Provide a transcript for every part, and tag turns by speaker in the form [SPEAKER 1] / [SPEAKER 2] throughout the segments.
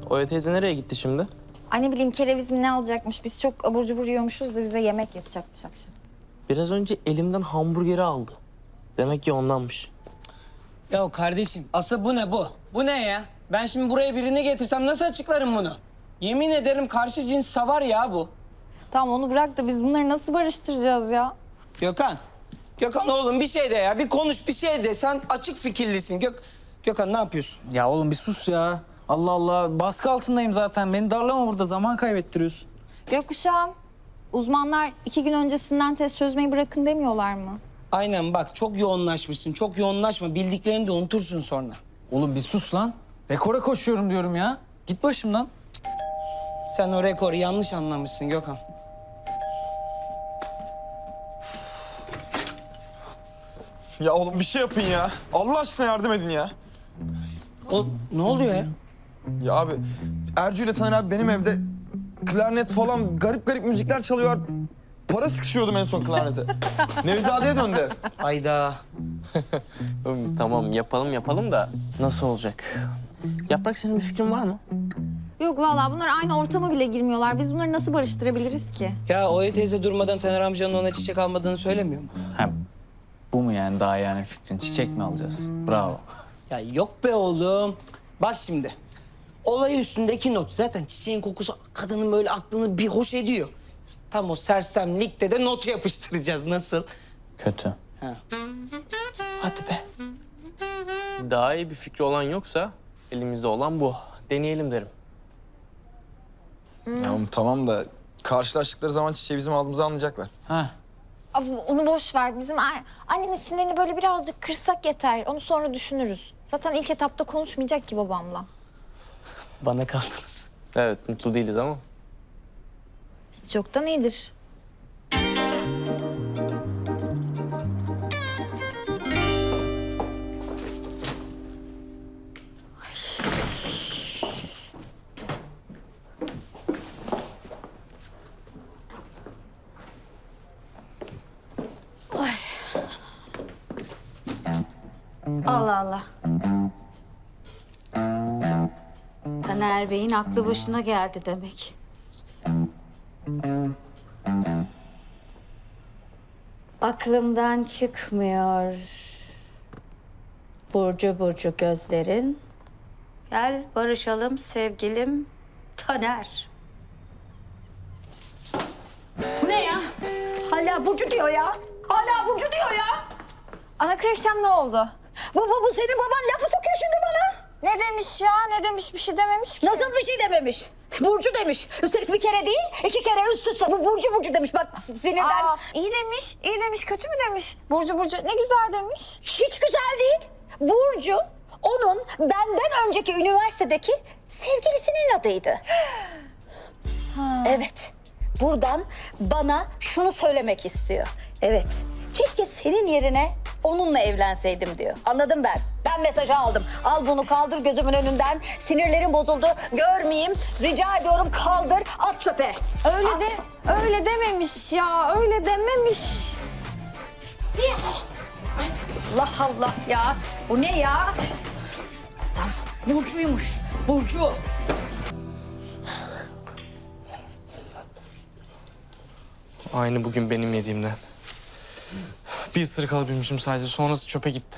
[SPEAKER 1] Oya teyze nereye gitti şimdi?
[SPEAKER 2] Ay ne bileyim kereviz mi ne alacakmış? Biz çok abur cubur yiyormuşuz da bize yemek yapacakmış akşam.
[SPEAKER 1] Biraz önce elimden hamburgeri aldı. Demek ki ondanmış.
[SPEAKER 3] Ya kardeşim asıl bu ne bu? Bu ne ya? Ben şimdi buraya birini getirsem nasıl açıklarım bunu? Yemin ederim karşı cins savar ya bu.
[SPEAKER 2] Tamam onu bırak da biz bunları nasıl barıştıracağız ya?
[SPEAKER 3] Gökhan. Gökhan oğlum bir şey de ya. Bir konuş bir şey de. Sen açık fikirlisin. Gökhan ne yapıyorsun?
[SPEAKER 4] Ya oğlum bir sus ya. Allah Allah. Baskı altındayım zaten. Beni darlama burada. Zaman kaybettiriyorsun.
[SPEAKER 2] Gökkuşağım, uzmanlar 2 gün öncesinden test çözmeyi bırakın demiyorlar mı?
[SPEAKER 3] Aynen bak çok yoğunlaşmışsın. Çok yoğunlaşma. Bildiklerini de unutursun sonra.
[SPEAKER 4] Oğlum bir sus lan. Rekora koşuyorum diyorum ya. Git başımdan.
[SPEAKER 3] Sen o rekoru yanlış anlamışsın Gökhan.
[SPEAKER 5] Ya oğlum bir şey yapın ya. Allah aşkına yardım edin ya.
[SPEAKER 3] Ne oluyor ya?
[SPEAKER 5] Ya abi Ercü ile Taner abi benim evde klarnet falan garip garip müzikler çalıyor. Para sıkışıyordum en son klarnete. Nevizade'ye döndü ev.
[SPEAKER 3] Hayda.
[SPEAKER 1] Tamam yapalım da nasıl olacak? Yaprak senin bir fikrin var mı?
[SPEAKER 2] Yok vallahi bunlar aynı ortama bile girmiyorlar. Biz bunları nasıl barıştırabiliriz ki?
[SPEAKER 3] Ya Oya teyze durmadan Taner amcanın ona çiçek almadığını söylemiyor mu?
[SPEAKER 4] Ha, bu mu yani daha yani fikrin? Çiçek mi alacağız? Bravo.
[SPEAKER 3] Ya yok be oğlum. Bak şimdi. Olay üstündeki not. Zaten çiçeğin kokusu kadının böyle aklını bir hoş ediyor. Tam o sersemlikte de not yapıştıracağız. Nasıl?
[SPEAKER 4] Kötü.
[SPEAKER 3] Ha. Hadi be.
[SPEAKER 1] Daha iyi bir fikri olan yoksa elimizde olan bu. Deneyelim derim.
[SPEAKER 5] Ya oğlum tamam da karşılaştıkları zaman çiçeği bizim aldığımızı anlayacaklar.
[SPEAKER 4] Ha.
[SPEAKER 2] Abi onu boş ver. Bizim annemin sinirini böyle birazcık kırsak yeter. Onu sonra düşünürüz. Zaten ilk etapta konuşmayacak ki babamla.
[SPEAKER 3] Bana kaldınız.
[SPEAKER 1] Evet mutlu değiliz ama.
[SPEAKER 2] Hiç yoktan iyidir.
[SPEAKER 6] Allah Allah. Taner Bey'in aklı başına geldi demek. Aklımdan çıkmıyor. Burcu burcu gözlerin. Gel barışalım sevgilim Taner. Bu ne ya? Hala Burcu diyor ya. Hala Burcu diyor ya.
[SPEAKER 2] Ana kraliçem ne oldu?
[SPEAKER 6] Bu senin baban lafı sokuyor şimdi bana.
[SPEAKER 2] Ne demiş ya? Ne demiş? Bir şey dememiş ki.
[SPEAKER 6] Nasıl bir şey dememiş? Burcu demiş. Üstelik bir kere değil, 2 kere üst üste. Bu Burcu demiş. Bak sinirden.
[SPEAKER 2] İyi demiş, iyi demiş, kötü mü demiş? Burcu ne güzel demiş.
[SPEAKER 6] Hiç güzel değil. Burcu, onun benden önceki üniversitedeki sevgilisinin adıydı. Evet. Buradan bana şunu söylemek istiyor. Evet. Keşke senin yerine onunla evlenseydim diyor. Anladım ben. Ben mesajı aldım. Al bunu kaldır gözümün önünden. Sinirlerim bozuldu. Görmeyeyim. Rica ediyorum kaldır. At çöpe.
[SPEAKER 2] Öyle dememiş ya, öyle dememiş.
[SPEAKER 6] Allah Allah ya. Bu ne ya? Tamam. Burcu'ymuş. Burcu.
[SPEAKER 1] Aynı bugün benim yediğimden. Bir ısırık alabilmişim sadece. Sonrası çöpe gitti.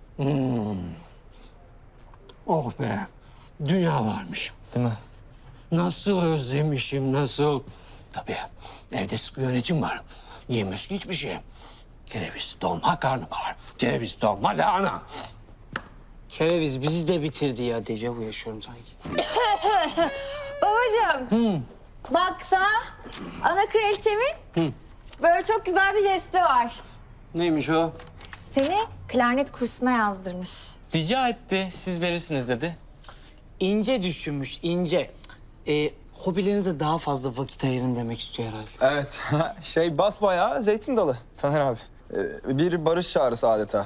[SPEAKER 7] Oh be, dünya varmış.
[SPEAKER 1] Değil mi?
[SPEAKER 7] Nasıl özlemişim, nasıl? Tabii, evde sıkı yönetim var. Yiyemez ki hiçbir şey. Kereviz, dolma, karnabahar. Kereviz, dolma, lahana.
[SPEAKER 3] Kereviz bizi de bitirdi ya. Dejavu yaşıyorum sanki.
[SPEAKER 2] Babacığım, bak sana ana kraliçemin böyle çok güzel bir jesti var.
[SPEAKER 7] Neymiş o?
[SPEAKER 2] Seni klarnet kursuna yazdırmış.
[SPEAKER 1] Rica etti. Siz verirsiniz dedi.
[SPEAKER 3] İnce düşünmüş, ince. Hobilerinize daha fazla vakit ayırın demek istiyor herhalde.
[SPEAKER 5] Evet basbayağı zeytin dalı Taner abi. Bir barış çağrısı adeta.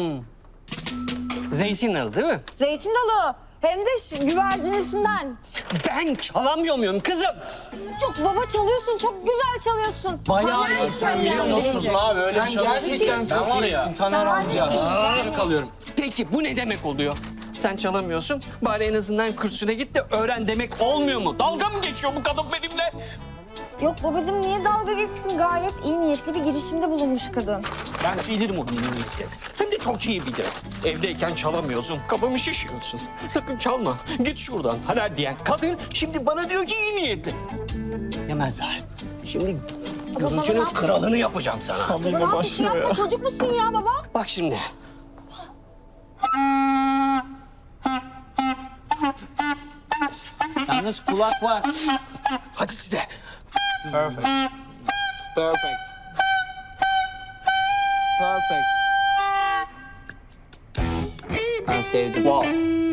[SPEAKER 7] Zeytin dalı değil mi?
[SPEAKER 2] Zeytin dalı. Hem de güvercinisinden.
[SPEAKER 7] Ben çalamıyor muyum kızım?
[SPEAKER 2] Çok baba çalıyorsun, çok güzel çalıyorsun.
[SPEAKER 3] Bayağı
[SPEAKER 2] Taner
[SPEAKER 3] iyisin,
[SPEAKER 2] şöyle
[SPEAKER 3] biliyor musun?
[SPEAKER 2] yapınca.
[SPEAKER 1] abi öyle
[SPEAKER 3] Sen gerçekten çok iyisin Taner amca.
[SPEAKER 7] Peki bu ne demek oluyor? Sen çalamıyorsun. Bari en azından kursuna git de öğren demek olmuyor mu? Dalga mı geçiyor bu kadın benimle?
[SPEAKER 2] Yok babacığım niye dalga geçsin? Gayet iyi niyetli bir girişimde bulunmuş kadın.
[SPEAKER 7] Ben bilirim o dinleyicileri. Hem de çok iyi bilirim. Evdeyken çalamıyorsun, kafamı şişiyorsun. Sakın çalma, git şuradan. Haler diyen kadın şimdi bana diyor ki iyi niyetli. Yemezler. Şimdi görüntünün kralını yapacağım sana.
[SPEAKER 2] Ne yapıyorsun yapma çocuk musun ya baba?
[SPEAKER 7] Bak şimdi.
[SPEAKER 3] Yalnız kulak var.
[SPEAKER 7] Hadi size.
[SPEAKER 3] Perfect. Perfect. Perfect. Ben sevdim.
[SPEAKER 7] Wow.